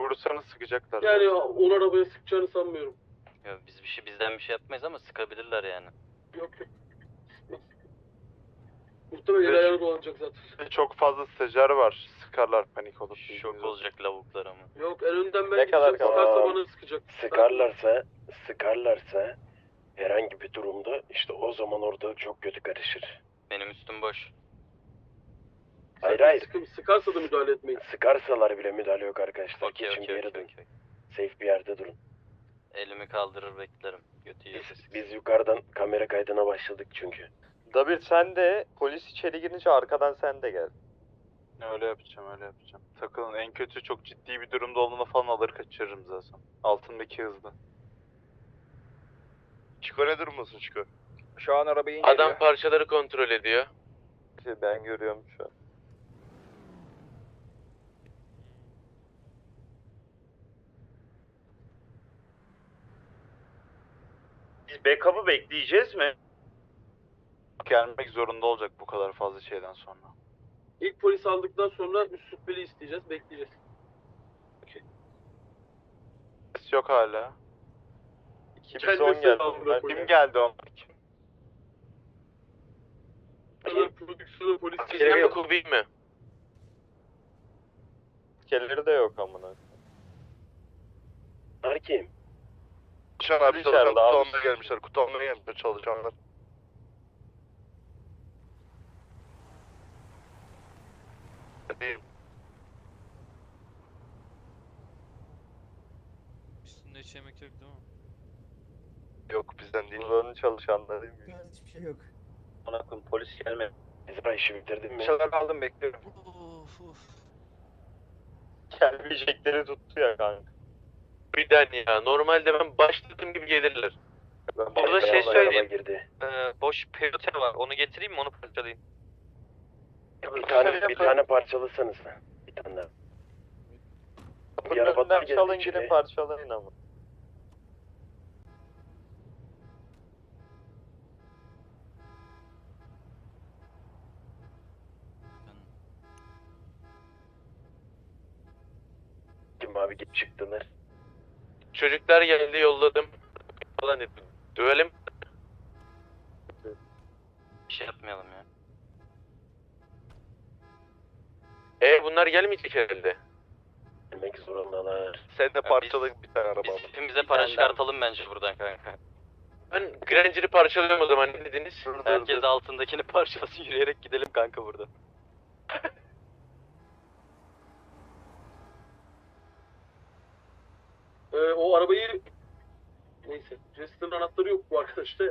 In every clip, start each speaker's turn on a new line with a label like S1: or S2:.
S1: vurursanız sıkacaklar.
S2: Yani onu arabaya sıkacağını sanmıyorum.
S3: Ya biz bizden bir şey yapmayız ama sıkabilirler yani.
S2: Yok. Muhtemelen el ayağına dolanacak zaten.
S1: Çok fazla stajyer var. Sıkarlar panik olup.
S3: Şok olacak lavuklar ama.
S2: Yok, en önden ben
S1: Ne kadar
S2: gideceğim.
S1: kaldı?
S2: Sıkarsa bana sıkacak.
S4: Sıkarlarsa herhangi bir durumda işte o zaman ortalık çok kötü karışır.
S3: Benim üstüm boş.
S4: Hayır.
S2: Sıkarsa da müdahale etmeyin.
S4: Sıkarsalar bile müdahale yok arkadaşlar.
S3: Okey
S4: Geçin bir
S3: okey
S4: yere
S3: okey.
S4: durun. Safe bir yerde durun.
S3: Elimi kaldırır beklerim. Götü yiyorsa
S4: Biz yukarıdan kamera kaydına başladık çünkü.
S5: Dabir sen de polis içeri girince arkadan sen de gel.
S1: Öyle yapacağım. Takılın, en kötü çok ciddi bir durumda olduğunda falan alır kaçırırım zaten. Altındaki hızlı.
S6: Çiko ne durumdasın Çiko?
S5: Şu an arabayı inceliyor.
S7: Adam parçaları kontrol ediyor.
S5: Ben görüyorum şu an.
S6: Biz backup'ı bekleyeceğiz mi?
S1: Gelmek zorunda olacak bu kadar fazla şeyden sonra.
S2: İlk polis aldıktan sonra üst şüpheli isteyeceğiz, bekleyeceğiz.
S1: Ses yok hala.
S5: 210 geldi.
S2: Kendisi
S1: Kim geldi o?
S2: Prodüksiyonu polis
S7: Bizden mi Kubi mi?
S5: Kelleri de yok amına.
S4: Arkim.
S6: Şu an abi
S5: İçeride
S6: çalışan kutu
S5: abi.
S6: almaya gelmişler. Kutu almaya gelmişler çalışanlar. Değil.
S8: Üstünde hiç yemek yok değil mi?
S6: Yok bizden değil.
S5: Buranın çalışanlarıyım.
S9: Hiçbir şey yok.
S6: Bana koyayım polis gelmedi.
S4: İzra işi bitirdin mi?
S5: Şeyler aldım bekliyorum.
S8: Of.
S5: Gelmeyecekleri tuttu ya kanka.
S7: Birden ya. Normalde ben başladığım gibi gelirler.
S3: Burada şey
S4: Beyaz
S3: söyleyeyim.
S4: araba girdi.
S3: Boş peyote var. Onu getireyim mi? Onu parçalayayım.
S4: Bir tane parçalasanız. Bir tane daha.
S5: Kapının
S4: arabadan
S5: önünden çalın
S4: geldi
S5: gidin
S4: içeri.
S5: parçalayın ama.
S4: Kim abi git çıktılar.
S7: Çocuklar geldi yolladım. Falan dedi. Dövelim.
S3: Bir şey yapmayalım ya.
S7: Bunlar gelmeyecek herhalde.
S4: Demek zorundalar.
S6: Sen de parçala bir tane araba
S3: Biz
S6: al.
S3: hepimize para çıkartalım bence buradan kanka.
S7: Ben Granger'ı parçalıyorum o zaman. Ne dediniz?
S3: Herkes de altındakini parçalasın, yürüyerek gidelim kanka burada.
S2: O arabayı... Neyse. Jester'ın anahtarı yok bu arkadaşta.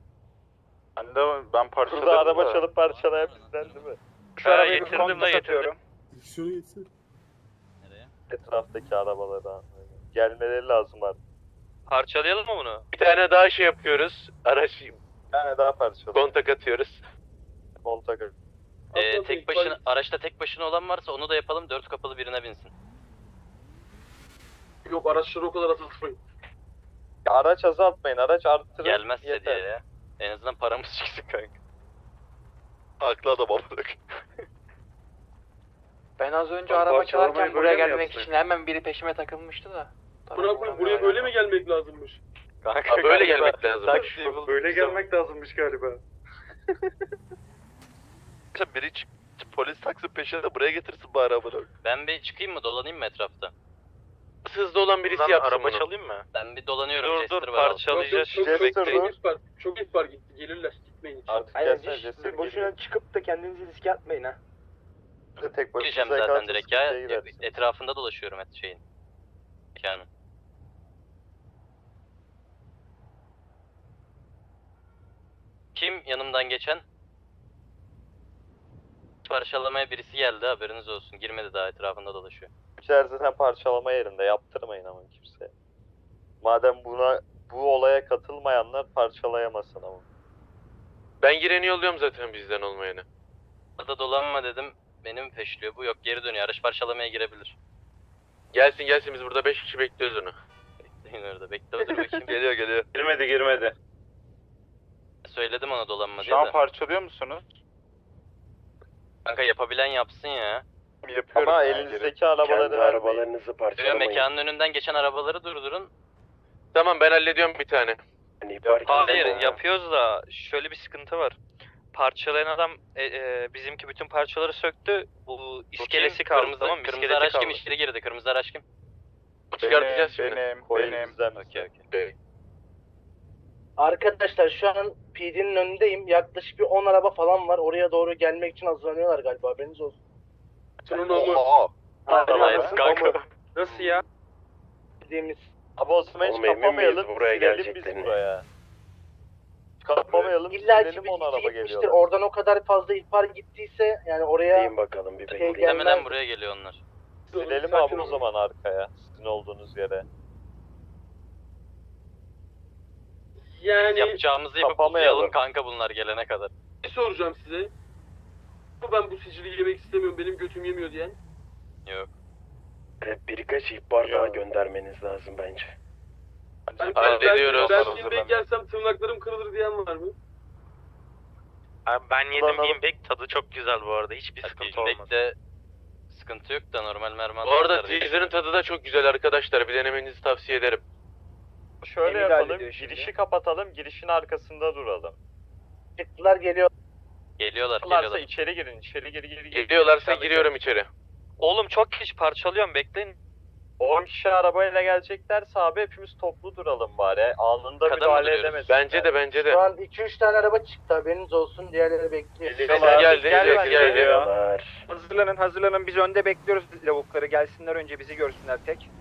S1: Ben parçaladım
S5: Burada araba
S1: da.
S5: çalıp parçalayan bizden değil mi?
S3: Şu arabayı getirdim de getirdim.
S9: Şunu gitsin.
S8: Nereye?
S5: Etraftaki arabaları almaya. Gelmeleri lazım artık.
S3: Parçalayalım mı bunu?
S7: Bir tane daha şey yapıyoruz. Araç
S5: Bir tane daha parçalayın.
S7: kontak atıyoruz.
S5: Kontak.
S3: Tek başına, araçta tek başına olan varsa onu da yapalım, 4 kapılı birine binsin.
S2: Yok, araçları o kadar azaltmayın.
S5: Araç azaltmayın, araç arttırın.
S3: Gelmezse
S5: yeter.
S3: diye ya. En azından paramız çıksın kanka.
S6: Haklı adam amına.
S10: Ben az önce
S1: Lan
S10: araba
S1: parçalamayı
S10: çalarken
S1: böyle
S10: buraya
S1: mi
S10: gelmek
S1: yapsak?
S10: için hemen biri peşime takılmıştı da.
S2: Buna koyayım, buraya böyle mi gelmek lazımmış?
S3: Kanka
S7: Böyle
S3: galiba
S7: gelmek lazım.
S3: taksiyi bulduk
S1: Böyle
S3: biz
S1: gelmek lazımmış galiba.
S6: Biri polis taksi peşine de buraya getirsin bari amına.
S3: ama. Ben bir çıkayım mı, dolanayım mı etrafta?
S7: Hızlı olan birisi yapsın bunu.
S3: mı? Ben bir dolanıyorum,
S7: Dur,
S3: Jester
S7: dur,
S3: var altında.
S7: parçalayacağız.
S2: Çok
S5: Jester dur.
S2: ihbar, çok ihbar gitti. Gelirler, gitmeyin hiç.
S5: Artık
S10: Aynen,
S5: gelsene
S10: hiç
S5: Jester
S10: boşuna çıkıp da kendinizi riske atmayın ha.
S5: geliyor. Tek başına
S3: Gireceğim zaten direkt ya. Etrafında dolaşıyorum şeyin. Yani. Kim yanımdan geçen? Parçalamaya birisi geldi, haberiniz olsun. Girmedi, daha etrafında dolaşıyor.
S5: İçeride zaten parçalama yerinde, yaptırmayın ama kimseye. Madem bu olaya katılmayanlar parçalayamasın ama.
S7: Ben gireni yolluyorum zaten bizden olmayanı.
S3: Burada dolanma dedim, benim peşliyor bu. Yok, geri dönüyor, araç parçalamaya girebilir.
S7: Gelsin biz burada 5 kişi bekliyoruz onu.
S3: Bekleyin orada, bekle dur bakayım.
S6: Geliyor.
S1: Girmedi.
S3: Söyledim ona dolanma
S1: Şu
S3: diye
S1: an
S3: de.
S1: parçalıyor musunuz?
S3: Kanka yapabilen yapsın ya.
S6: Yapıyorum
S5: Ama
S6: ben
S5: elinizdeki
S4: Kendi
S5: arabaları vermeyin.
S4: arabalarınızı
S3: Böyle
S4: parçalamayın.
S3: mekanın önünden geçen arabaları durdurun.
S7: Tamam ben hallediyorum bir tane.
S4: Yani ihbar
S9: Hayır
S4: kesin.
S9: yapıyoruz da şöyle bir sıkıntı var. Parçalayan adam bizimki bütün parçaları söktü. Bu iskelesi kaldı
S3: Kırmızı,
S9: tamam mı?
S3: kırmızı
S9: İskeleti
S3: araç
S9: kaldı.
S3: kim içeri girdi? Kırmızı araç kim?
S7: Çıkartacağız şimdi.
S5: Koyun bizden.
S3: Okey.
S10: Arkadaşlar şu an PD'nin önündeyim. Yaklaşık bir 10 araba falan var. Oraya doğru gelmek için hazırlanıyorlar galiba. Haberiniz olsun.
S2: Şunun amı.
S6: Oha.
S3: Nice kanka.
S2: Nasıl ya?
S10: Dediğimiz
S5: Abi o zaman hiç
S4: Oğlum, emin
S5: kapamayalım.
S4: miyiz buraya
S5: Silelim biz
S4: geleceklerini?
S5: buraya. Kapamayalım.
S10: İlla ki
S5: Silelim
S10: bir
S5: 10 araba
S10: gitmiştir.
S5: geliyorlar.
S10: Oradan o kadar fazla ihbar gittiyse yani oraya
S4: Bekleyin bakalım bir bekleyin.
S10: Gelmez.
S3: Demeden buraya geliyor onlar.
S5: Silelim
S2: Sakin
S5: abi o
S2: olun.
S5: zaman arkaya. Sizin olduğunuz yere.
S2: Yani
S3: Yapacağımızı yapıp
S5: Kapamayalım.
S3: uzayalım kanka bunlar gelene kadar.
S2: ne soracağım size? Ben bu sicili yemek istemiyorum. Benim götüm yemiyor diyen.
S3: Yok.
S4: Birkaç ihbar daha göndermeniz lazım bence.
S7: Hallediyoruz.
S2: Ben filmde gelsem tırnaklarım kırılır diyen var mı?
S9: Abi ben yedim
S5: Kullanalım.
S9: Beanbag tadı çok güzel bu arada. Hiçbir sıkıntı olmaz.
S3: Feedback'te sıkıntı yok da normal mermi
S7: Bu arada
S3: atarlar diye.
S7: teaser'ın tadı da çok güzel arkadaşlar. Bir denemenizi tavsiye ederim.
S5: Şöyle
S10: Emir
S5: yapalım.
S10: hallediyor şimdi.
S5: Girişi kapatalım. Girişin arkasında duralım.
S10: çıktılar geliyor.
S3: Geliyorlar
S5: Varsa
S3: geliyorlar.
S5: içeri girin. İçeri gir.
S7: Geliyorlarsa giriyorum içeri.
S9: Oğlum çok geç parçalıyorum bekleyin.
S5: 10 kişi arabayla geleceklerse abi hepimiz toplu duralım bari. Anında
S3: Kadın
S5: müdahale
S3: duruyoruz.
S5: edemeyiz.
S7: Bence de.
S10: Şu an 2-3 tane araba çıktı. Haberiniz olsun. Diğerleri bekliyor.
S7: Geldi.
S4: Geliyorlar.
S10: Hazırlanın. Biz önde bekliyoruz lavukları. Gelsinler önce bizi görsünler tek.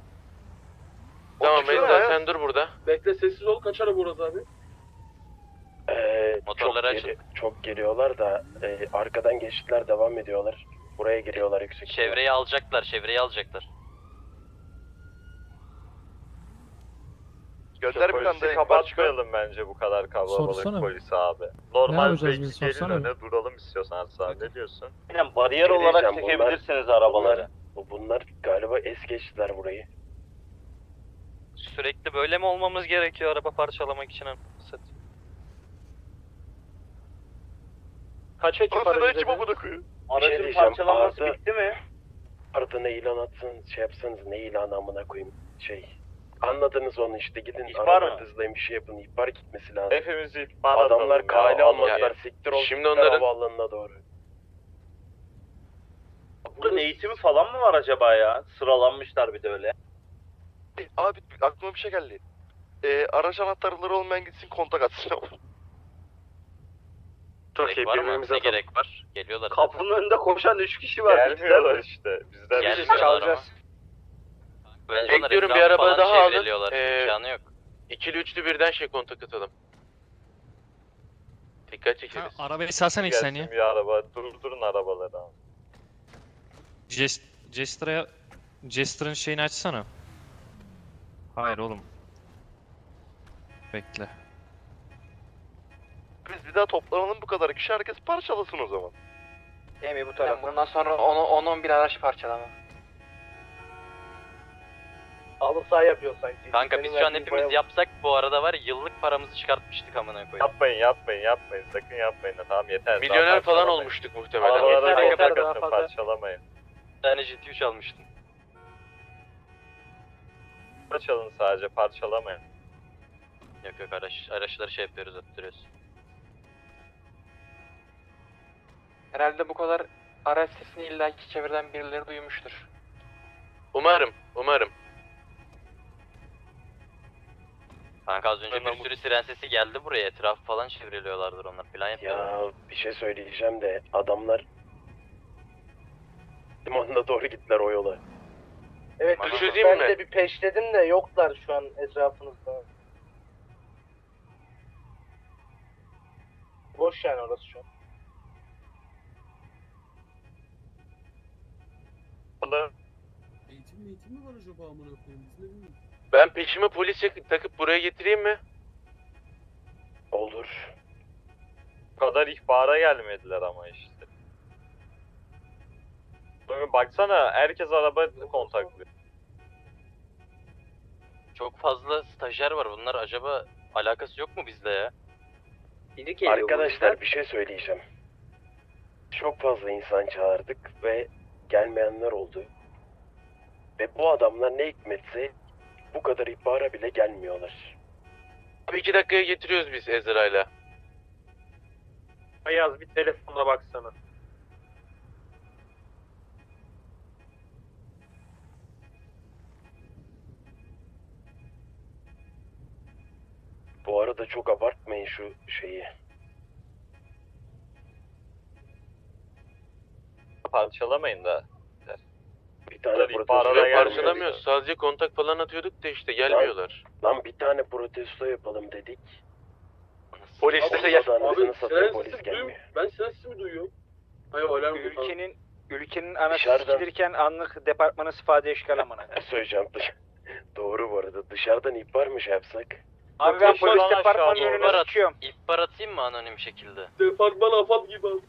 S7: Tamam Meyza sen dur burada.
S2: Bekle sessiz ol. Kaç araba orası abi?
S3: Motorları
S4: Çok geliyorlar da arkadan geçtiler devam ediyorlar. Buraya giriyorlar yüksek.
S3: Çevreyi alacaklar, çevreyi alacaklar.
S6: Gönder bir
S5: Polisi
S6: tane de
S5: kapatmayalım bence bu kadar kalabalık
S11: Sorsana.
S5: polisi abi. Normal
S11: yapacağız
S5: belki
S11: biz,
S5: gelin
S11: sorsana.
S5: öne duralım istiyorsanız abi. Ne diyorsun?
S4: Aynen bariyer olarak çekebilirsiniz arabaları. Bunlar galiba es geçtiler burayı.
S9: Sürekli böyle mi olmamız gerekiyor araba parçalamak için?
S10: Kaç ekip
S6: Ortada
S10: aracı
S6: ekip
S10: dedin?
S6: amına koyuyor.
S4: Aracın parçalanması
S10: bitti mi?
S4: Ardına ilan atsın, şey yapsanız ne ilanı amına koyayım Anladınız onu işte gidin
S5: İhbar mı?
S4: arabanızla bir şey yapın ihbar gitmesi lazım.
S5: Hepimiz ihbar atalım
S4: Adamlar
S5: ya.
S4: kale almadılar
S7: Ya,
S4: siktir ol.
S7: şimdi onların-
S4: havaalanına doğru.
S2: Burada
S5: eğitimi falan mı var acaba ya? Sıralanmışlar bir de öyle.
S6: Abi aklıma bir şey geldi. Araç anahtarları olmayan gitsin kontak atsın.
S3: Gerek var mı? Ne gerek var? Geliyorlar zaten.
S5: önünde koşan 3 kişi var. Gelmiyorlar işte. Bizden
S3: Gelmiyorlar ama. Bence onlar
S7: Bekliyorum, bir
S3: etrafı
S7: araba
S3: falan
S7: daha alın.
S3: çevreliyorlar. İmkanı yok.
S7: İkili üçlü birden kontak atalım. Dikkat çekeriz.
S8: Arabayı salsana ilk saniye.
S5: Gelsin bir araba. Durdurun arabaları abi.
S8: Jester'ın şeyini açsana. Hayır oğlum. Bekle.
S6: Biz bir daha toplanalım bu kadar kişi herkes parçalasın o zaman.
S10: Emi bu tarafta. Bundan sonra 10-11 araç parçalama. Halı saha yapıyor sanki.
S3: Kanka biz şu an hepimiz yapsak bu arada var ya, yıllık paramızı çıkartmıştık amına koyayım.
S5: Yapmayın. Sakın yapmayın. Tamam yeter. Daha
S7: Milyoner falan
S5: parçalamayın.
S7: olmuştuk muhtemelen.
S5: Arabalara
S10: Yeter,
S5: kontak
S10: daha
S5: atın,
S10: fazla.
S5: parçalamayın.
S3: Bir tane GT3 almıştım.
S5: Çalın sadece, parçalamayın.
S3: Yok araçları şey yapıyoruz, attırıyoruz.
S10: Herhalde bu kadar araç sesini illaki çevreden birileri duymuştur.
S7: Umarım.
S3: Kanka az önce bir sürü siren sesi geldi buraya, etrafı falan çevreliyorlardır onlar, plan yapıyorlar.
S4: Ya bir şey söyleyeceğim de adamlar limanına doğru gittiler o yola.
S10: Evet,
S7: Düşüreyim
S10: ben
S7: mi?
S10: de bir peşledim de yoklar şu an etrafınızda. Boş yani orası şu an.
S2: Eğitim mi var acaba amına koyayım? Biz ne bilmiyoruz.
S7: Ben peşime polis takıp buraya getireyim mi?
S4: Olur.
S5: Bu kadar ihbara gelmediler ama işte. Bugün baksana herkes araba kontaklıyor.
S3: Çok fazla stajyer var, bunlar acaba alakası yok mu bizle ya?
S4: Arkadaşlar bir şey söyleyeceğim. Çok fazla insan çağırdık ve gelmeyenler oldu. Ve bu adamlar ne hikmetse bu kadar ihbara bile gelmiyorlar.
S7: Abi 2 dakikaya getiriyoruz biz Ezra'yla.
S2: Ayaz bir telefonuna baksana.
S4: Bu arada çok abartmayın şu şeyi.
S5: Parçalamayın da.
S4: Bir tane
S5: Tabii,
S4: protesto
S5: ihbara da
S7: Yok
S5: gelmiyor.
S7: parçalamıyoruz. Sadece kontak falan atıyorduk da işte gelmiyorlar.
S4: Lan bir tane protesto yapalım dedik.
S6: Polislere gel.
S4: Abi,
S2: Abi
S4: satıyor,
S2: siren
S4: polis
S2: sesi
S4: gelmiyor.
S2: duyuyorum. Ben siren sesimi duyuyorum. Hayır alarm bu.
S9: Ülkenin anası
S4: Dışarıdan-
S9: sikilirken anlık departmanı sıfade eşkal amına.
S4: Söyleyeceğim. Doğru bu arada. Dışarıdan ihbar mı şey yapsak?
S9: Abi ben
S5: Yok,
S9: polis
S5: şu an
S9: departmanının
S5: aşağı
S9: önüne
S3: doğru.
S9: sıçıyorum.
S3: İhbar atayım mı anonim şekilde?
S2: Departman afat gibi abi.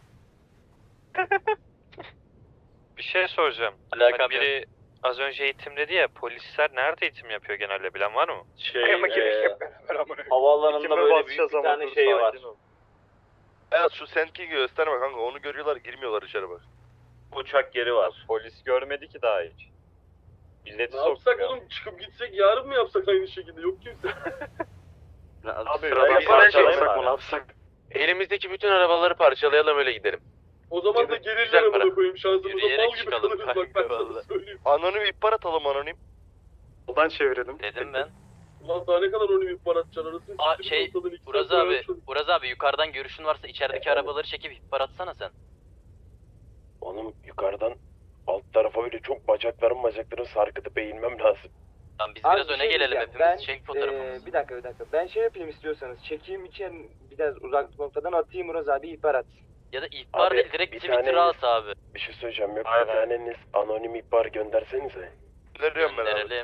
S9: Bir şey soracağım.
S3: Alakam
S9: Hani biri az önce eğitim dedi ya, polisler nerede eğitim yapıyor genelde, bilen var mı?
S5: Havaalanında böyle büyük bir tane şey var.
S6: Evet şu senki gösterme kanka onu görüyorlar girmiyorlar içeri bak.
S5: Uçak yeri var. Polis görmedi ki daha hiç. Milleti
S2: Ne yapsak
S5: sokmuyor.
S2: oğlum, çıkıp gitsek yarın mı yapsak aynı şekilde, yok kimse.
S5: Abi
S6: Sıradan
S5: biz
S6: parçalasak
S5: parçalayalım
S6: mı,
S5: abi.
S7: Elimizdeki bütün arabaları parçalayalım öyle gidelim.
S2: O zaman da
S7: Güzel
S2: gelirler
S7: para.
S2: amına koyayım, şansımıza
S3: Yürüyerek
S2: mal gibi
S3: çıkalım
S2: kalırız bak, ben
S3: kanka,
S2: sana
S3: vallahi.
S2: söyleyeyim.
S6: Anonim ihbar atalım anonim.
S5: Oradan çevirelim.
S3: Dedim ben.
S2: Ulan daha ne kadar anonim ihbar atacaksın arasını
S3: Aa,
S2: siktir
S3: şey,
S2: ortadan iki
S3: Uraz
S2: saat
S3: abi,
S2: uğraşalım.
S3: Uraz abi yukarıdan görüşün varsa içerideki arabaları çekip ihbar atsana sen.
S4: Onun yukarıdan alt tarafa öyle çok bacaklarım sarkıtıp eğilmem lazım.
S3: Tamam biz
S11: Abi
S3: biraz
S11: bir
S3: öne
S11: şey
S3: gelelim
S11: diyeceğim.
S3: hepimiz.
S11: Ben,
S3: Çek fotoğrafımızı.
S11: Bir dakika. Ben şey yapayım istiyorsanız. Çekeyim için biraz uzak noktadan atayım Uraz abi ihbar atsın.
S3: Ya da ihbar
S4: Abi,
S3: değil, direkt
S4: bir
S3: Twitter'a
S4: tane-
S3: at abi.
S4: Bir şey söyleyeceğim. Yok
S5: Aynen.
S4: bir taneniz anonim ihbar göndersenize.
S6: Gönderiyorum ben abi.
S3: Gönderelim.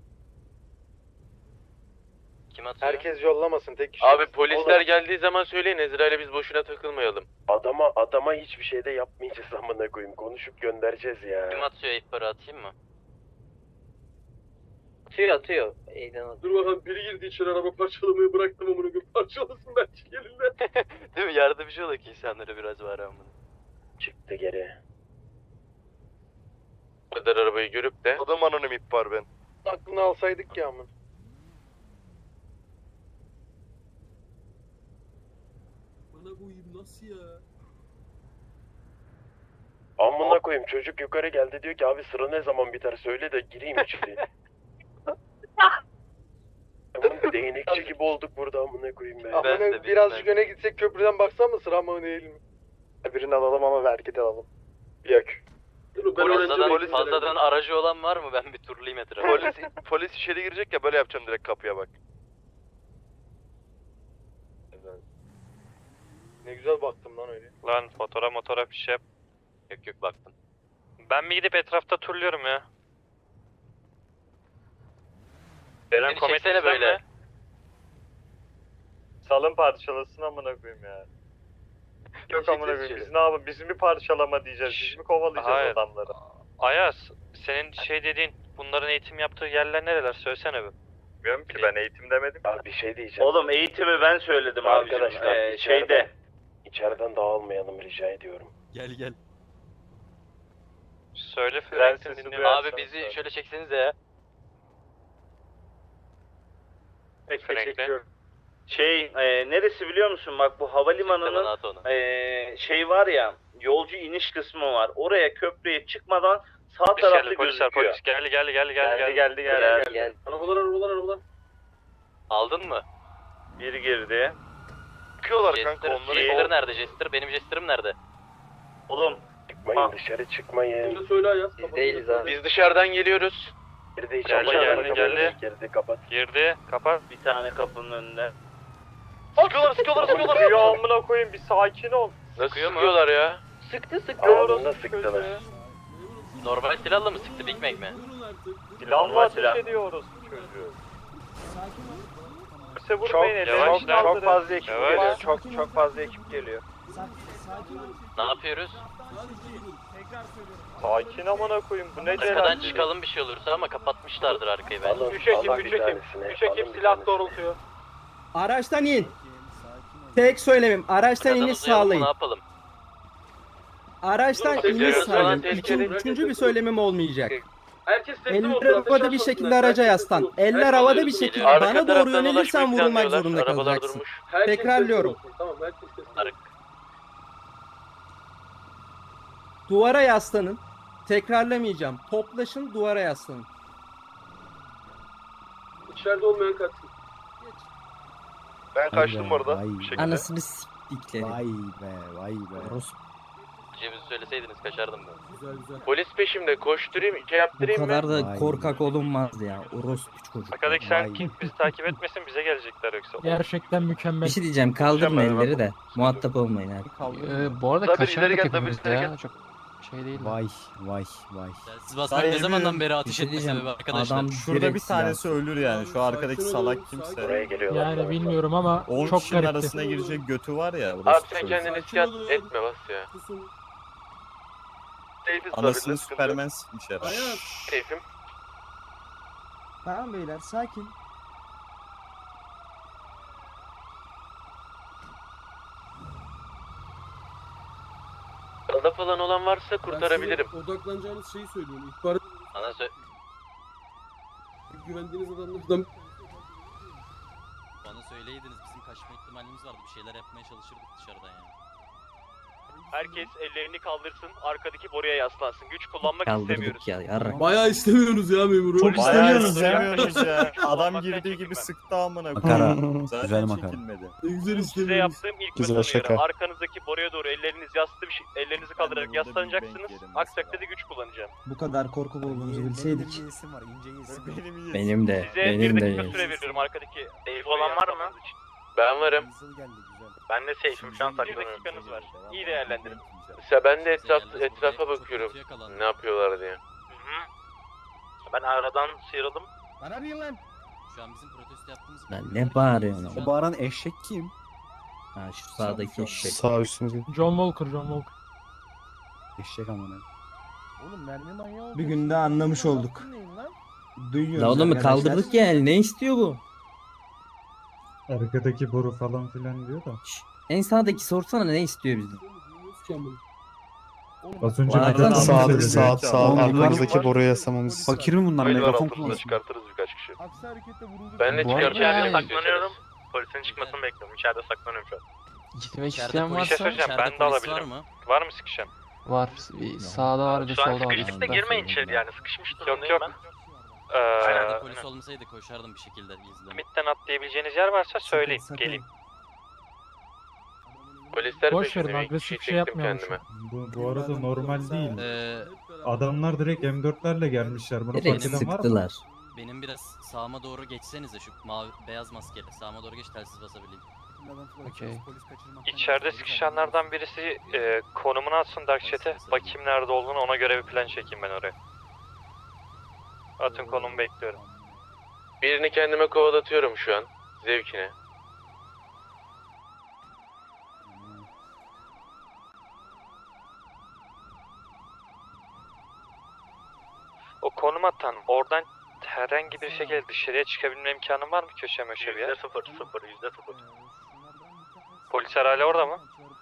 S3: Kim atıyor?
S5: yollamasın tek kişi.
S7: Abi polisler geldiği zaman söyleyin Ezra'yla biz boşuna takılmayalım.
S4: Adama hiçbir şey de yapmayacağız amına koyayım. Konuşup göndereceğiz ya.
S3: Kim atıyor, ihbarı atayım mı?
S11: Atıyor.
S2: Dur bakalım, biri girdi içeri, araba parçalamayı bıraktım amına koyayım, parçalasın belki gelirler.
S3: Değil mi? Yardımcı olak insanlara biraz var ama.
S4: Çıktı geri.
S7: Bu kadar arabayı görüp de
S6: Adam anonim ihbar ben.
S5: Aklını alsaydık ya amın.
S2: Bana koyayım nasıl ya?
S4: Amına koyayım çocuk yukarı geldi diyor ki abi sıra ne zaman biter söyle de gireyim içeri. Oğlum değnekçi gibi olduk burada amına koyayım be.
S3: Ben de
S5: birazcık öne gitsek köprüden baksan mı sıra mı değil mi? Birini alalım ama vergi de alalım. Yok.
S2: Dur ben öğrenci
S3: Fazladan, fazladan aracı olan var mı? Ben bir turlayayım etrafı.
S6: Polis içeri girecek ya böyle yapacağım direkt kapıya bak.
S5: Ne güzel baktım lan öyle.
S9: Lan fotoğraf bir şey yap.
S3: Yok baktım.
S9: Ben mi gidip etrafta turluyorum ya?
S3: Beni çeksene böyle.
S5: Salın parçalasın amına koyayım ya. Yok amına koyayım biz ne yapalım? Biz mi parçalama diyeceğiz? Biz mi kovalayacağız
S9: Hayır.
S5: adamları?
S9: Ayaz, senin şey dediğin, bunların eğitim yaptığı yerler nereler? Söylesene bir.
S5: Bilmiyorum ki ben eğitim demedim.
S4: Abi bir şey diyeceğim.
S5: Oğlum eğitimi ben söyledim
S4: Arkadaşlar
S5: abicim. Şeyde.
S4: İçeriden dağılmayalım rica ediyorum.
S1: Gel.
S9: Söyle
S5: Ben
S9: Frank'in
S5: sesi
S9: dinliyorum.
S5: duyarım.
S3: Abi bizi şöyle çeksenize ya.
S9: Frank'le.
S5: Neresi biliyor musun? Bak bu
S3: Bana
S5: havalimanının
S3: at onu.
S5: şey var ya yolcu iniş kısmı var. Oraya köprüye çıkmadan sağ
S9: Polis
S5: tarafta
S9: geldi,
S5: gözüküyor.
S9: polis geldi.
S5: Geldi.
S2: Arabalar.
S3: Aldın mı?
S5: Biri girdi.
S6: Çıkıyorlar
S3: Jester,
S6: kanka onları.
S3: Jester nerede? Jester, benim Jester'ım nerede?
S5: Oğlum
S4: Çıkmayın dışarı çıkmayın.
S2: Şimdi söyle Ayaz.
S11: Değiliz abi.
S7: biz dışarıdan geliyoruz.
S4: Geride
S9: Geldi.
S4: Geride kapat.
S9: Girdi, kapat.
S5: bir tane kapının önünde.
S6: Sıkıyorlar.
S5: Ya amına koyayım bir sakin ol.
S7: Nasıl
S3: Sıkıyor mu?
S7: sıkıyorlar ya?
S4: Ağzında sıktılar.
S3: Normal silahla mı sıktı, Big Mac mi?
S5: Silahla ateş ediyoruz çocuğu. Kimse vurmayın elini.
S9: Yavaş lan.
S5: Çok fazla ekip
S9: Yavaş.
S5: geliyor. Çok fazla ekip geliyor.
S3: Ne yapıyoruz?
S5: Sakin amına koyayım bu ne
S3: Arkadan
S5: celal.
S3: çıkalım bir şey olursa ama kapatmışlardır arkayı bence.
S4: Alın,
S2: Üç ekip,
S4: alın
S2: üç
S4: bir
S2: ekip.
S4: tanesini,
S2: 3
S4: alın
S2: ekip
S4: bir
S2: silah
S4: tanesini.
S2: doğrultuyor.
S11: Araçtan in. Tek söylemim. Araçtan
S3: Arkadan
S11: iniş
S3: uzayalım mı, ne
S11: sağlayın.
S3: yapalım?
S2: Araçtan
S7: Dur,
S2: iniş
S7: tekrar falan
S2: saydım.
S7: tehlikeli.
S2: Üçüncü bir söylemim olmayacak.
S10: Herkes teslim olsun.
S2: Eller havada bir şekilde araca yaslan. Eller havada bir şekilde
S3: Arka
S2: bana doğru
S7: taraftan
S2: yönelirsen
S7: dolaşmayı
S2: vurulmak
S7: planlıyorlar.
S2: zorunda
S7: Arabalar
S2: kalacaksın.
S7: durmuş.
S2: Tekrarlıyorum.
S10: Tamam herkes teslim olsun.
S2: Duvara yaslanın. Tekrarlamayacağım. Toplaşın, duvara yaslanın.
S10: İçeride olmayan kaçsın.
S6: Ben kaçtım orada bir şekilde.
S10: Anasını s**tikleri.
S3: Ceviz söyleseydiniz kaçardım ben.
S7: Polis peşimde, koşturayım, yaptırayım mı?
S10: da korkak olunmaz ya. Orospu çocuk.
S9: Arkadaki sen kim bizi takip etmesin bize gelecekler yoksa.
S11: Gerçekten mükemmel.
S10: Bir şey diyeceğim. Kaldırın elleri de. Muhatap olmayın abi.
S8: Bu arada
S6: Tabii,
S8: kaçardık
S6: ileri gel,
S8: hepimiz
S6: tabii,
S8: de
S6: ileri
S8: ya.
S6: gel.
S8: Çok şey değil.
S3: Siz basmak ne zamandan beri ateş etme sebebi arkadaşlar?
S10: Adam
S5: Şurada bir tanesi ölür yani. Şu arkadaki salak
S4: Buraya
S5: kimse.
S4: geliyorlar.
S11: Yani bilmiyorum ama
S5: 10
S11: çok
S5: kişinin
S11: garipti.
S5: arasına girecek götü var ya.
S7: Abi
S5: orası
S7: sen
S5: çocuk.
S7: kendini iskat etme bas ya.
S5: Anasını Süpermen sikmiş herhalde.
S7: Keyfim.
S2: Tamam beyler, sakin.
S7: Arada falan olan varsa kurtarabilirim.
S2: Odaklanacağınız şeyi söylüyorum. İhbar
S3: Ana
S2: güvendiğiniz adamlardan
S3: bana söyleydiniz bizim kaçma ihtimalimiz vardı. Bir şeyler yapmaya çalışırdık dışarıdan yani.
S9: Herkes ellerini kaldırsın, arkadaki boruya yaslansın. Güç kullanmak istemiyoruz.
S10: Kaldırdık ya. Yarrak.
S2: bayağı istemiyorsunuz ya memuru.
S5: Bayağı
S11: İstemiyoruz
S5: istemiyoruz ya. Adam
S9: Olmaktan
S5: girdiği gibi
S9: çekinmem.
S5: sıktı amına
S10: Makara.
S5: koyayım. Zaten çekilmedi.
S2: Ne güzel
S9: Size yaptığım ilk
S5: Güzel
S9: mesaj
S5: şaka.
S9: uyarı. Arkanızdaki boruya doğru ellerinizi kaldırarak
S5: burada bir
S9: yaslanacaksınız.
S5: bank yerim
S9: Aksi
S5: mesela.
S9: takdirde güç kullanacağım.
S2: Bu kadar korkak olduğunuzu bilseydik.
S10: Benim de.
S9: Size bir
S10: Benim
S9: dakika
S10: de.
S9: süre veriyorum arkadaki. Safe olan var mı?
S7: Ben varım.
S9: Ben de safe'im şu an saklanıyorum. Bir dakikanız var. İyi değerlendirin.
S7: Mesela ben de etrafa bakıyorum. Ne yapıyorlar diye.
S9: Ben aradan sıyrıldım.
S2: Bana bir lan.
S3: Şu an bizim protesto yaptığımız...
S10: Lan ne bağırıyorsun ama?
S2: bağıran eşek kim?
S10: Ha şu sağdaki eşek.
S5: üstünüzde.
S11: John Walker.
S2: Eşek amına. Oğlum mermi manyağı. Bir günde anlamış olduk. Duyuyoruz.
S10: La oğlum
S2: arkadaşlar.
S10: kaldırdık ya. Ne istiyor bu?
S11: Arkadaki boru falan filan diyor da.
S10: En sağdaki sorsana ne istiyor bizden?
S11: Az önce
S10: Var
S11: neden
S10: lan,
S5: sağ
S10: Oğlum,
S5: arkamızdaki boruya yasamamız.
S2: Fakir mi bunlar?
S6: Oyunlar
S2: Megafon
S6: altında çıkartırız birkaç kişi.
S2: Aksi harekette vurulur.
S7: Ben de
S8: Bu arada
S7: çıkartacağım.
S8: yani-
S9: Saklanıyorum. Polisin çıkmasını bekliyorum. İçeride saklanıyorum şu an.
S8: Gitmek
S3: İçeride
S8: isteyen
S3: polis-
S9: Bir şey
S8: varsa
S9: söyleyeceğim,
S3: İçeride
S9: ben de
S3: polis
S9: alabilirim.
S3: var mı?
S9: Var mı sıkışan?
S8: var. Bir sağda var bir de
S9: Şu an
S8: solda var.
S9: sıkıştık da girmeyin içeri yani. Sıkışmış durumdayım
S11: yok.
S9: ben.
S3: İçeride polis olmasaydı koşardım bir şekilde gizli.
S9: Midden atlayabileceğiniz yer varsa söyleyin.
S2: Sakın.
S9: Geleyim.
S7: Polisler
S11: Boş verin,
S7: peşinde.
S11: agresif
S7: Bir
S11: şey
S7: çektim
S11: yapmayalım
S7: kendime.
S11: Bu arada normal değil.
S3: Ee,
S11: Adamlar direkt M4'lerle gelmişler. Bunu
S10: Direkt
S11: fark eden var mı?
S10: sıktılar.
S3: benim biraz sağıma doğru geçsenize şu mavi beyaz maskeli. Sağıma doğru geç telsiz basabileyim.
S8: Okey.
S9: İçeride sıkışanlardan birisi konumunu atsın Dark Chat'e. Bakayım nerede olduğunu, ona göre bir plan çekeyim ben oraya. Atın konumu bekliyorum.
S7: Birini kendime kovalatıyorum şu an. Zevkine.
S9: O konum atan oradan herhangi bir şekilde dışarıya çıkabilme imkanın var mı köşe möşe bir yer? %0. Polisler hala orada mı?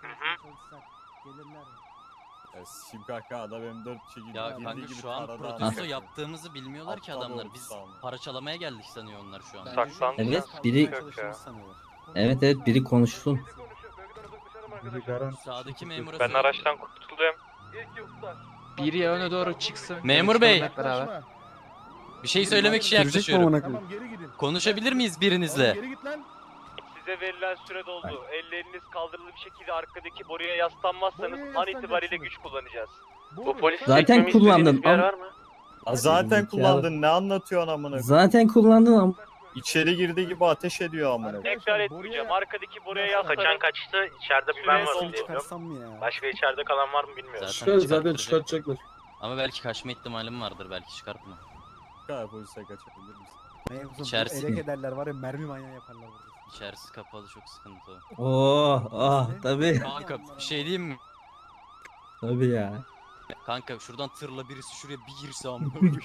S5: Şimdi kanka adam M4 çekildi.
S3: Ya kanka şu an protesto yaptığımızı bilmiyorlar ki adamlar. Biz para çalamaya geldik sanıyor onlar şu an.
S9: Saklandı.
S10: Evet biri
S9: Yok ya.
S10: evet biri konuşsun.
S11: Biri garanti.
S3: Sağdaki memura
S9: Ben
S3: söyle.
S9: araçtan kurtuldum.
S8: Biri öne doğru çıksın.
S3: Memur bey.
S8: Hep beraber.
S3: Bir şey söylemek için yaklaşıyorum.
S2: Tamam geri gidin.
S3: Konuşabilir miyiz birinizle?
S2: Geri git lan.
S9: Size verilen süre doldu. Elleriniz kaldırılı bir şekilde arkadaki boruya yaslanmazsanız an itibariyle güç kullanacağız.
S7: Bu polis
S10: Zaten
S7: çekmemi
S10: kullandın,
S7: istediğiniz bir yer
S10: ama-
S7: var mı?
S5: Zaten kullandın ne anlatıyorsun amına koyayım?
S10: Zaten kullandın ama.
S5: İçeri girdiği gibi ateş ediyor amına koyayım.
S9: Tekrar etmeyeceğim. Arkadaki boruya yaslanın. Kaçan kaçtı. İçeride bir
S2: Ben
S9: ben
S2: var.
S9: Başka içeride kalan var mı bilmiyorum.
S3: Zaten çıkartacak.
S2: çıkartacaklar.
S3: Ama belki kaçma ihtimalim vardır. Belki çıkartma.
S5: Kanka polise kaçabilir misin?
S3: İçerisi mi?
S2: ederler var ya mermi manyağı yaparlar burada.
S3: İçerisi kapalı çok sıkıntı o.
S10: Oh tabii.
S3: Kanka bir şey diyeyim mi?
S10: Tabii ya.
S3: Kanka şuradan tırla birisi şuraya bir girse amına koyayım.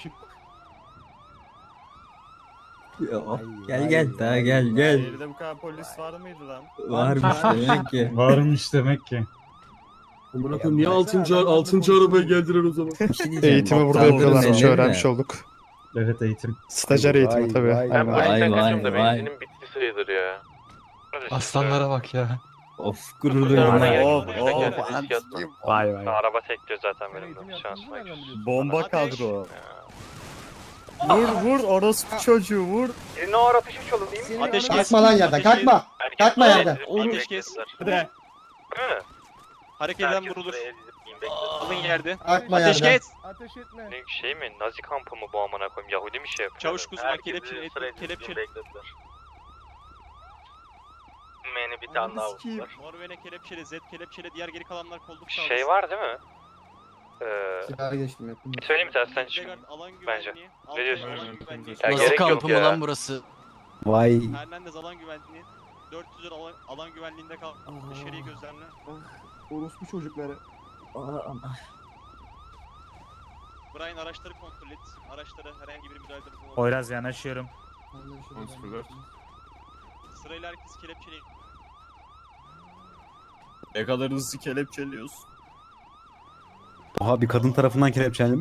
S10: Gel daha gel.
S5: Şehirde bu kadar polis var mıydı lan?
S10: Varmış demek ki.
S11: Varmış demek ki.
S2: Amına koyayım niye 6. arabaya geldiler o zaman?
S12: Eğitimi burada yapıyorlarmış öğrenmiş olduk.
S2: Evet eğitim.
S12: Stajyer eğitimi tabii.
S7: Ben
S12: Aynen.
S7: polisten kaçıyorum da benzinim bitti sayılır ya.
S8: Aslanlara bak ya.
S3: Of
S7: gurur
S3: duyuyorum.
S12: Vay vay.
S9: Araba tekliyor zaten benim de. Şansıma gir.
S5: Bomba kadro. Vur orospu çocuğu vur.
S11: Senin o ara ateş uçalım değil mi?
S9: Ateş kes.
S10: Kalkma lan yerden kalkma. Kalkma yerden.
S9: Ateş kes. Hareket eden vurulur. Alın yerde.
S10: Kalkma
S9: Ateş
S10: yerden.
S9: kes.
S10: Ateş etme.
S9: Ne şey mi? Nazi kampı mı bu amına koyayım? Yahudi mi şey yapıyor? Çavuş kuzma kelepçeli.
S7: Meni bir tane daha vurdular.
S9: Morvene kelepçeli, Z kelepçeli, diğer geri kalanlar kolluk sağlasın. Şey var değil mi?
S10: Silahı geçtim yakın.
S9: Söyleyeyim mi tersten çık. Bence. Ne diyorsunuz?
S7: Ya
S3: Nasıl
S7: gerek yok
S3: kampı mı
S7: ya.
S3: lan burası?
S12: Vay.
S9: Hernandez alan güvenliği. 400 alan güvenliğinde kal. Dışarıyı gözlemle.
S10: Orospu çocukları.
S9: Brian araçları kontrol et. Araçlara herhangi bir müdahalede bulunmamak.
S12: Poyraz yanaşıyorum.
S9: Sırayla herkes kelepçeli.
S5: Ne kadar hızlı kelepçeliyorsun.
S12: Oha bir kadın tarafından kelepçelendi.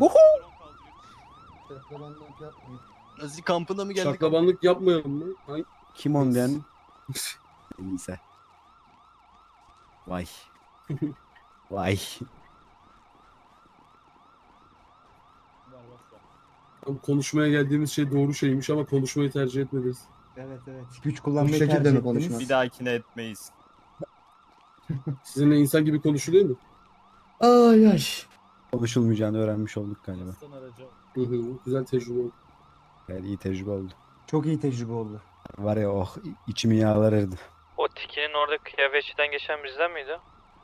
S3: Nazi kampına mı geldik?
S2: Şaklabanlık yapmayalım mı? Hangi?
S12: Kim on diyen? Neyse. Vay. Vay.
S2: Konuşmaya geldiğimiz şey doğru şeymiş ama konuşmayı tercih etmediniz.
S10: Evet. Güç kullanmayı tercih ettiniz.
S5: Bir dahakine etmeyiz.
S2: Sizinle insan gibi konuşuluyor mu?
S10: Ay ay.
S12: Konuşulmayacağını öğrenmiş olduk galiba.
S2: Güzel tecrübe oldu.
S12: Yani iyi tecrübe oldu.
S10: Çok iyi tecrübe oldu.
S12: Var ya oh içimi yağlar erdi.
S9: O tikinin orada kıyafetçiden geçen bizden miydi?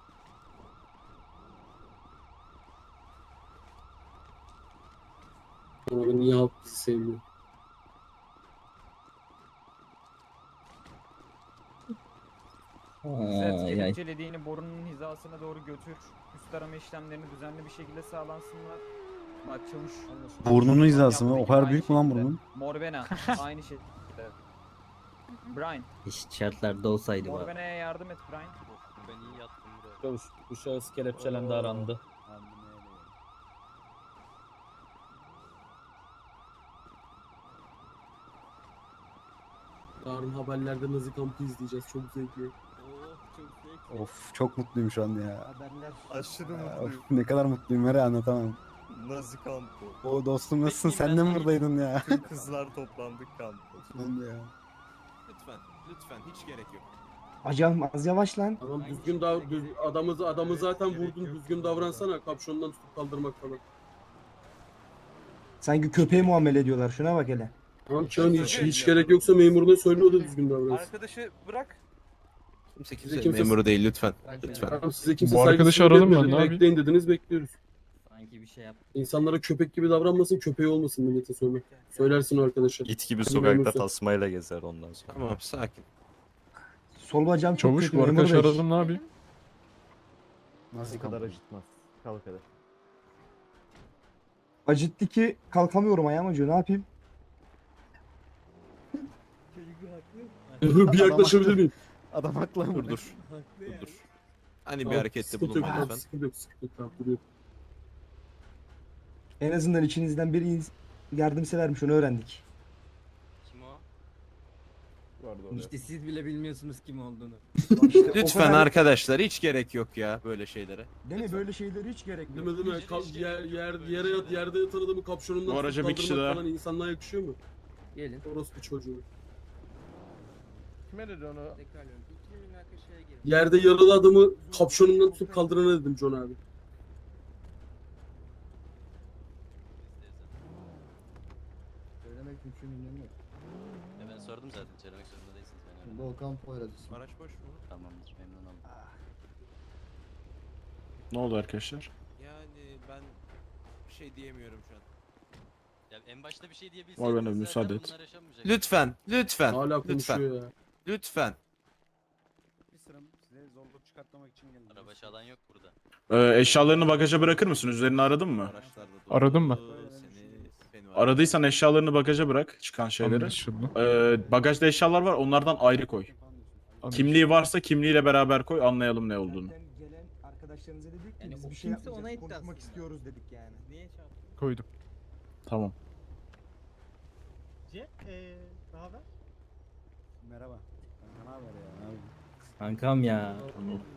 S2: Ama niye halk bizi sevmiyor?
S11: Kelepçelediğini borunun hizasına doğru götür. Üst arama işlemlerini düzenli bir şekilde sağlansınlar. Bak çavuş.
S12: Burnunun hizası mı? O kadar büyük mü lan burnun?
S11: Morvena aynı şekilde. Brian.
S3: Eşit şartlarda olsaydı bari.
S11: Morvena'ya yardım et Brian.
S3: Ben iyi yattım buraya.
S5: Bu şahıs kelepçelendi arandı.
S2: Yarın haberlerde Nazi kampı izleyeceğiz. Çok zevkli.
S12: Of çok mutluyum şu an ya.
S10: Haberler.
S5: Aşırı
S12: Of, ne kadar mutluyum var ya anlatamam.
S5: Nazi kampı.
S12: O dostum nasılsın? Sen de mi buradaydın ya?
S5: Tüm kızlar toplandık kampı.
S12: Ben de ya.
S6: Lütfen hiç gerek yok.
S10: Acam az yavaş lan.
S2: Tamam düzgün adamı zaten vurdun. Düzgün davransana. Kapşonundan tutup kaldırmak falan.
S10: Sanki köpeğe muamele ediyorlar. Şuna bak hele.
S2: Tamam Çağın hiç gerek yoksa memuruna söyle o da düzgün davransın.
S11: Arkadaşı bırak.
S2: Kimse
S6: Memuru değil lütfen. Lütfen.
S2: Tamam size kimse
S8: Bu arkadaşı aralım mı? Ne yapayım?
S2: Bekleyin dediniz bekliyoruz.
S3: Sanki bir şey yap.
S2: İnsanlara köpek gibi davranmasın, köpeği olmasın millete sonra. Söylersin o arkadaşa.
S5: İt gibi
S2: Hadi
S5: sokakta
S2: memursun.
S5: tasmayla gezer ondan sonra.
S6: Tamam sakin.
S10: Sol bacağım çok
S8: Çavuş
S10: kötü.
S8: bu
S10: memur
S8: arkadaşı
S10: bey.
S8: aralım ne yapayım?
S12: Nasıl kadar acıtmaz. Kalk hadi.
S10: Acıttı ki kalkamıyorum ayağım acıyor. Ne yapayım?
S2: Bir yaklaşabilir miyim?
S12: Adam haklı ama.
S6: Dur. Hani bir
S2: Tamam,
S6: harekette
S2: sıkıntı
S6: bulunma
S2: yok, tamam,
S6: lütfen.
S2: sıkıntı yok, tamam, duruyor.
S10: En azından içinizden biri yardımsevermiş onu öğrendik.
S3: Kim o? İşte siz bile bilmiyorsunuz kim olduğunu.
S10: İşte o
S6: Lütfen
S10: kadar-
S6: arkadaşlar hiç gerek yok ya böyle şeylere.
S10: Değil mi? Böyle şeyler hiç gerek yok.
S2: Değil mi? Yerde yatan adamı kapşonundan
S8: Bu araca bir
S2: tutup
S8: kişi
S2: kaldırmak
S8: daha.
S2: falan insanlığa yakışıyor mu?
S3: Gelin.
S2: Orospu çocuğu.
S6: Kime dedi onu?
S2: Yerde yaralı adamı kapşonundan tutup kaldırana dedim John abi.
S10: Söylemek mümkün yok.
S3: Ben sordum zaten. Söylemek zorunda değilsiniz. Ben öyle.
S10: Volkan Poyraz'ı.
S6: Araç boş mu?
S3: Tamamdır. Memnun oldum.
S8: Ne oldu arkadaşlar?
S6: Yani ben bir şey diyemiyorum şu an.
S3: Ya en başta bir şey
S8: Var
S3: diyebilseydiniz
S8: bana
S3: zaten
S8: müsaade et.
S3: bunlar yaşanmayacak.
S6: Lütfen.
S2: Hala
S6: Lütfen.
S2: konuşuyor ya.
S6: Lütfen.
S10: Bir sıram size zorluk çıkartmamak için geldim.
S3: Araba çalan yok burada.
S8: Eşyalarını bagaja bırakır mısın? Üzerini aradın mı?
S6: Araçlarda
S8: Aradın mı?
S6: Seni var.
S8: Aradıysan eşyalarını bagaja bırak. Çıkan şeyleri. Bagajda eşyalar var. Onlardan ayrı koy. Kimliği varsa kimliğiyle beraber koy. Anlayalım ne olduğunu.
S10: Zaten gelen arkadaşlar
S13: arkadaşlarınıza dedik ki
S11: Yani
S13: biz
S11: o
S13: bir şey
S11: kimse ona
S13: yapmayacağız,
S11: etti
S13: konuşmak
S11: aslında.
S13: istiyoruz dedik yani.
S11: Niye çarptın?
S8: Koydum. Tamam.
S13: Ne haber?
S12: Merhaba. Ne haber ya?
S11: Kankam ya.